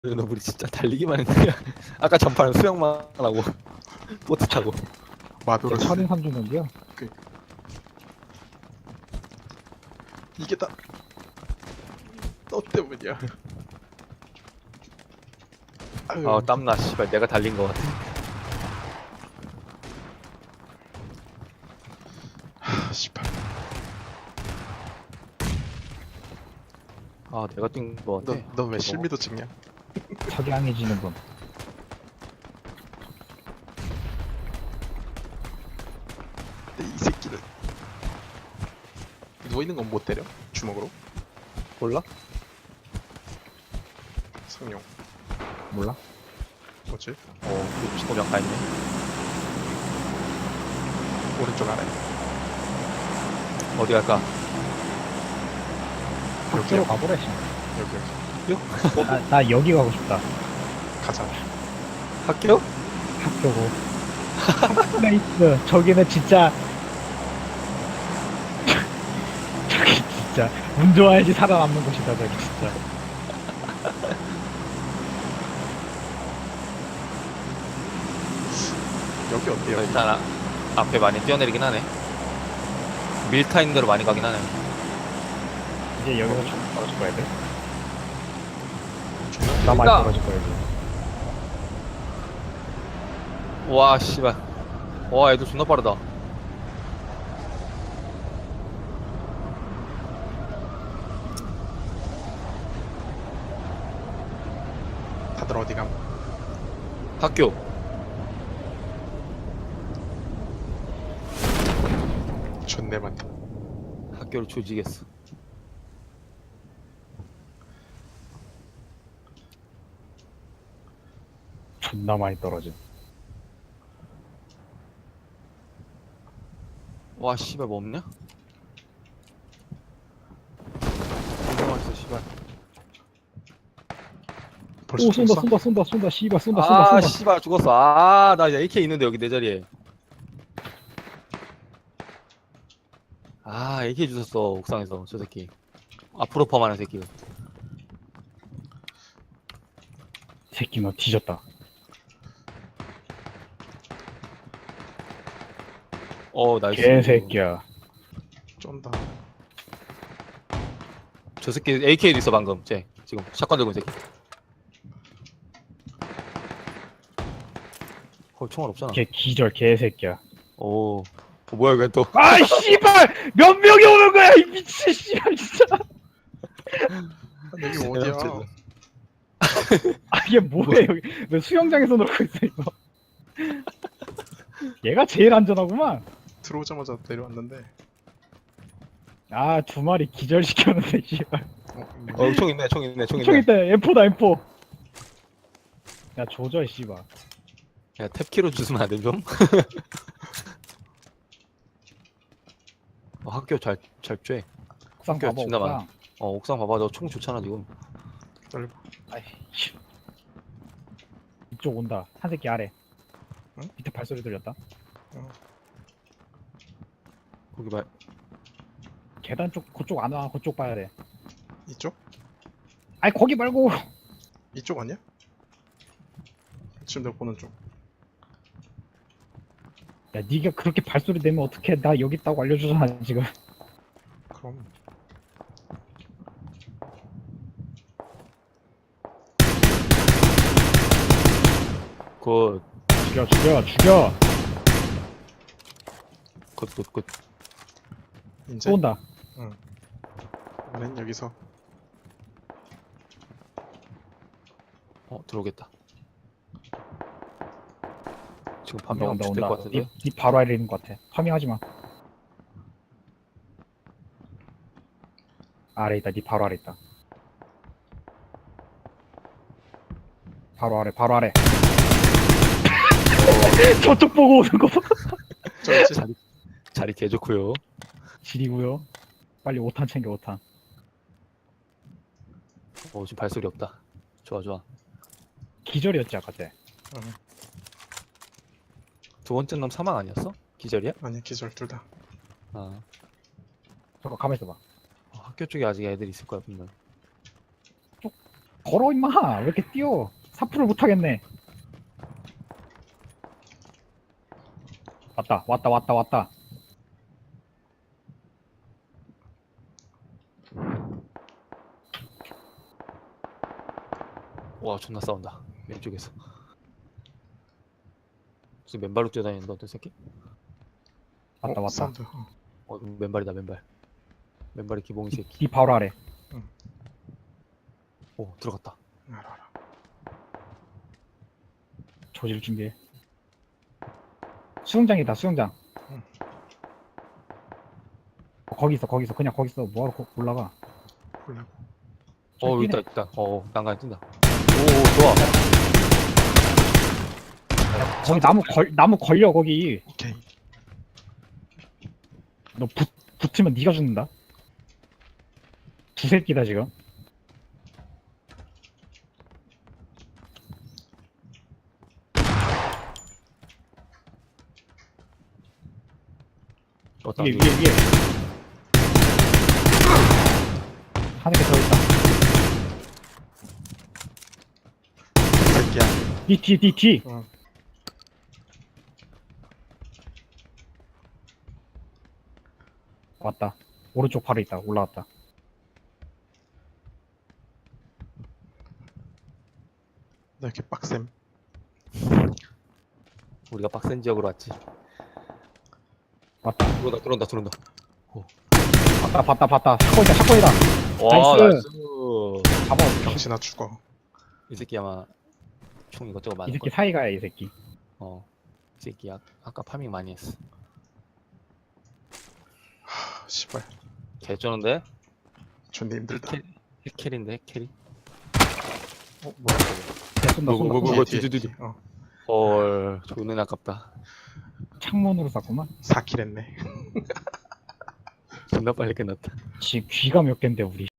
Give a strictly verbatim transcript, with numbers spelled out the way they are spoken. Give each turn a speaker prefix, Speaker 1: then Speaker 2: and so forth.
Speaker 1: 너 우리 진짜 달리기만 했냐? 아까 전파는 수영만 하고 보트 타고.
Speaker 2: 마도를
Speaker 3: 철인 삼 주는데요.
Speaker 2: 이게 다 너 때문이야. 아유,
Speaker 1: 아 땀나 씨발 내가 달린 거 같아.
Speaker 2: 하, 씨발.
Speaker 1: 아 내가 뛴 거 같아.
Speaker 2: 너 너 왜 실미도 찍냐?
Speaker 3: 석양해지는 분.
Speaker 2: 근데 이 새끼는 누워 있는 건 못 때려? 주먹으로?
Speaker 1: 몰라?
Speaker 2: 성룡.
Speaker 3: 몰라?
Speaker 2: 뭐지?
Speaker 1: 어 친구랑 가 있네.
Speaker 2: 오른쪽 아래.
Speaker 1: 어디 갈까?
Speaker 3: 학교로 가보래. 씨.
Speaker 2: 여기 여기.
Speaker 3: 나, 나 여기 가고 싶다.
Speaker 2: 가자.
Speaker 1: 학교?
Speaker 3: 학교고. 플레이스. 저기는 진짜. 저기 진짜 운 좋아야지 살아남는 곳이다. 저기 진짜.
Speaker 2: 여기 어때요?
Speaker 1: 일단 아, 앞에 많이 뛰어내리긴 하네. 밀타인 대로 많이 가긴 하네.
Speaker 3: 이제 여기서 좀 떨어질 거야 돼.
Speaker 2: 중간.
Speaker 3: 나 많이
Speaker 1: 여기다.
Speaker 3: 떨어질 거야 이제.
Speaker 1: 와 씨발. 와 애들 존나 빠르다.
Speaker 2: 다들 어디 감?
Speaker 1: 학교.
Speaker 2: 존내 많네.
Speaker 1: 학교를 조지겠어.
Speaker 3: 존나 많이 떨어져.
Speaker 1: 와 씨발 뭐 없냐? 존나 맛있어 씨발.
Speaker 2: 벌써
Speaker 3: 오 쏜다
Speaker 2: 쏜다.
Speaker 3: 쏜다 쏜다 쏜다 씨발 쏜다 쏜다
Speaker 1: 아
Speaker 3: 쏜다.
Speaker 1: 씨발 죽었어. 아나 에이케이 있는데 여기 내 자리에. 아 에이케이 주웠어 옥상에서 저 새끼. 앞으로 펌하는 새끼.
Speaker 3: 새끼 너 뒤졌다.
Speaker 1: 어 나이스.
Speaker 3: 개새끼야.
Speaker 2: 쫀다.
Speaker 1: 저 새끼 에이케이도 있어 방금. 쟤 지금 샷건 들고 있는 새끼. 어 총알 없잖아.
Speaker 3: 개 기절 개새끼야.
Speaker 1: 오 어, 뭐야 이거 또.
Speaker 3: 아이 씨발 몇 명이 오는 거야 이 미친 씨발 진짜.
Speaker 2: 여기 어디야?
Speaker 3: 아 이게 뭐야 여기 왜 수영장에서 놀고 있어 이거. 얘가 제일 안전하구만.
Speaker 2: 들어오자마자 내려왔는데.
Speaker 3: 아 두 마리 기절시켰는데 씨발.
Speaker 2: 어,
Speaker 1: 어 총 있네 총 있네 총
Speaker 3: 총
Speaker 1: 있네.
Speaker 3: 있다 엠포다 엠포. 야 조져 씨발.
Speaker 1: 야 탭키로 주시면 안 돼 좀? 어, 학교 잘잘 쬐.
Speaker 3: 옥상
Speaker 1: 학교
Speaker 3: 봐봐
Speaker 1: 진짜 많아.
Speaker 3: 옥상.
Speaker 1: 어 옥상 봐봐 너 총 좋잖아 지금.
Speaker 2: 기다려봐.
Speaker 3: 아이 씨. 이쪽 온다 한 새끼 아래.
Speaker 2: 응?
Speaker 3: 밑에 발소리 들렸다.
Speaker 1: 거기 말.
Speaker 3: 계단 쪽 그쪽 안 와. 그쪽 봐야 돼.
Speaker 2: 이쪽?
Speaker 3: 아이 거기 말고.
Speaker 2: 이쪽 아니야? 지금 내가 보는 쪽.
Speaker 3: 야 니가 그렇게 발소리 내면 어떡해. 나 여기 있다고 알려주잖아 지금.
Speaker 2: 그럼
Speaker 1: 굿.
Speaker 3: 죽여 죽여 죽여.
Speaker 1: 굿 굿 굿.
Speaker 2: 이제
Speaker 3: 또 온다.
Speaker 2: 우리는 여기서
Speaker 1: 어 들어오겠다. 지금
Speaker 3: 온다
Speaker 1: 판명
Speaker 3: 온다
Speaker 1: 될것
Speaker 3: 온다.
Speaker 1: 같은데.
Speaker 3: 니, 니 바로 아래 있는 것 같아. 파밍하지 마. 아래 있다. 니 바로 아래 있다. 바로 아래 바로 아래. 저쪽 보고 오는 거 봐.
Speaker 2: 저 있지?
Speaker 1: 자리 자리 개 좋고요.
Speaker 3: 지리고요. 빨리 오 탄 챙겨 오 탄.
Speaker 1: 어 지금 발소리 없다. 좋아 좋아.
Speaker 3: 기절이었지 아까 쟤.
Speaker 2: 응.
Speaker 1: 두 번째 놈 사망 아니었어? 기절이야?
Speaker 2: 아니 기절 둘 다.
Speaker 1: 아
Speaker 3: 잠깐 가만 있어봐.
Speaker 1: 어, 학교 쪽에 아직 애들 있을 거야 분명.
Speaker 3: 걸어 임마. 왜 이렇게 뛰어? 사프를 못하겠네. 왔다 왔다 왔다 왔다.
Speaker 1: 와 존나 싸운다 왼쪽에서. 무슨 맨발로 뛰어다니는데 어떤 새끼?
Speaker 3: 왔다
Speaker 2: 어,
Speaker 3: 왔다.
Speaker 2: 사운드. 어.
Speaker 1: 어 맨발이다 맨발. 맨발이 기봉이
Speaker 3: 이,
Speaker 1: 새끼.
Speaker 3: 이 바로 아래.
Speaker 1: 오 들어갔다.
Speaker 2: 알아 알아.
Speaker 3: 조질 준비해. 수영장이다 수영장.
Speaker 2: 응.
Speaker 3: 어, 거기 있어 거기 있어 그냥 거기 있어. 뭐하러 거- 올라가.
Speaker 2: 보려고.
Speaker 1: 어
Speaker 3: 저기
Speaker 1: 있다
Speaker 3: 뛰네.
Speaker 1: 있다. 어 난간 뛴다. 오 좋아.
Speaker 3: 거기 나무 걸 나무 걸려 거기.
Speaker 2: 오케이.
Speaker 3: 너 붙, 붙으면 네가 죽는다. 두 새끼다 지금.
Speaker 1: 어떤
Speaker 3: 위에 위에 위에. 하는 게 더 있다.
Speaker 2: 새끼야.
Speaker 3: 뒤 뒤 뒤 뒤.
Speaker 2: 어.
Speaker 3: 왔다. 오른쪽 바로 있다. 올라왔다.
Speaker 2: 나 이렇게 빡셈.
Speaker 1: 우리가 빡센 지역으로 왔지.
Speaker 3: 왔다.
Speaker 1: 들어온다 들어온다 들어온다.
Speaker 3: 봤다 봤다 봤다. 샷건이다 샷건이다.
Speaker 1: 와
Speaker 3: 나이스.
Speaker 1: 나이스.
Speaker 3: 잡아.
Speaker 2: 병신아 죽어.
Speaker 1: 이 새끼 아마 총 이것저것
Speaker 3: 이
Speaker 1: 많을
Speaker 3: 새끼
Speaker 1: 거야.
Speaker 3: 사이가야 이 새끼.
Speaker 1: 어. 이 새끼 아, 아까 파밍 많이 했어.
Speaker 2: 하, 씨발.
Speaker 1: 개쩌는데?
Speaker 2: 존나 힘들다.
Speaker 1: 힐 힐캐리인데 힐캐리?
Speaker 2: 어 뭐야 저거.
Speaker 3: 야, 쏜다
Speaker 1: 뭐,
Speaker 3: 쏜다
Speaker 1: 뭐, 뭐,
Speaker 3: 쏜다.
Speaker 1: 뭐,
Speaker 2: 뒤에, 뒤에,
Speaker 1: 뒤, 뒤,
Speaker 2: 뒤에. 어.
Speaker 1: 헐 존나 아깝다.
Speaker 3: 창문으로 쐈구만.
Speaker 2: 사 킬 했네.
Speaker 1: 존나 빨리 끝났다.
Speaker 3: 지금 귀가 몇 갠데 우리.